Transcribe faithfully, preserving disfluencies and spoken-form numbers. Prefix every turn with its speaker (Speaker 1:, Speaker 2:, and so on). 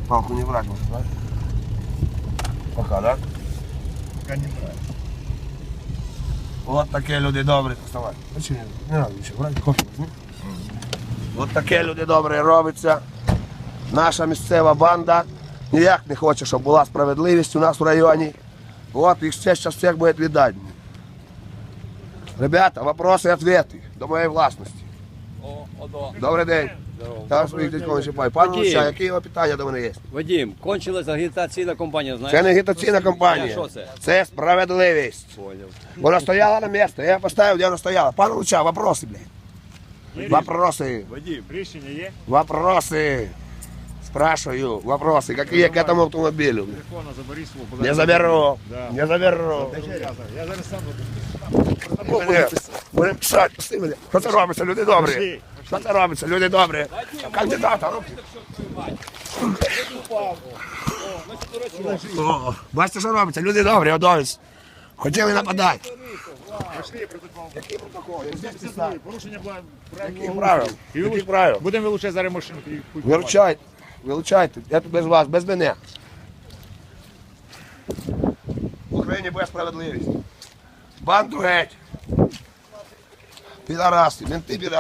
Speaker 1: Палку не брать можно, да? Пока, да?
Speaker 2: Пока не нравится.
Speaker 1: От такі люди добрі. Вставай. Не треба нічого брати, кофе візьми. От такі люди добрі робиться. Наша місцева банда ніяк не хоче, щоб була справедливість у нас в районі. От їх все зараз всіх буде віддати. Ребята, вопроси і відповіді до моєї власності.
Speaker 3: О, одо.
Speaker 1: Добрий день. Там своїх дітей не чіпай. Пане
Speaker 3: Вадим.
Speaker 1: Луця, які його питання до мене є?
Speaker 3: Вадим, кончилась агітаційна кампанія, знаєш?
Speaker 1: Це не агітаційна кампанія.
Speaker 3: Що це?
Speaker 1: Це справедливість.
Speaker 3: Поняв.
Speaker 1: Вона стояла на місце, я поставив, де вона стояла. Пане Луця, вопроси, блядь. Вопроси.
Speaker 3: Вадим.
Speaker 2: Рішення є?
Speaker 1: Вопросы. Спрашиваю. Вопросы. Какие к этому автомобилю?
Speaker 2: Телефона забери свого.
Speaker 1: Не заберу.
Speaker 2: Да.
Speaker 1: Не заберу.
Speaker 2: Я зараз сам буду.
Speaker 1: Мене. Будемо писати. Пусти мене. Що це робиться, люди добрі?
Speaker 2: Пошли.
Speaker 1: Що це робиться, люди добрі? Кандидата. руки. О, бачите, що робиться, люди добрі, одовість. Хотіли нападати.
Speaker 2: Пішли протокол.
Speaker 1: Який протокол?
Speaker 2: Порушення
Speaker 1: Яких правил? Яких правил?
Speaker 2: Будемо вилучати зараз машину.
Speaker 1: Вилучайте, вилучайте. Я тут без вас, без мене. В Україні буде справедливість. Банду геть. Підараси, менти підараси.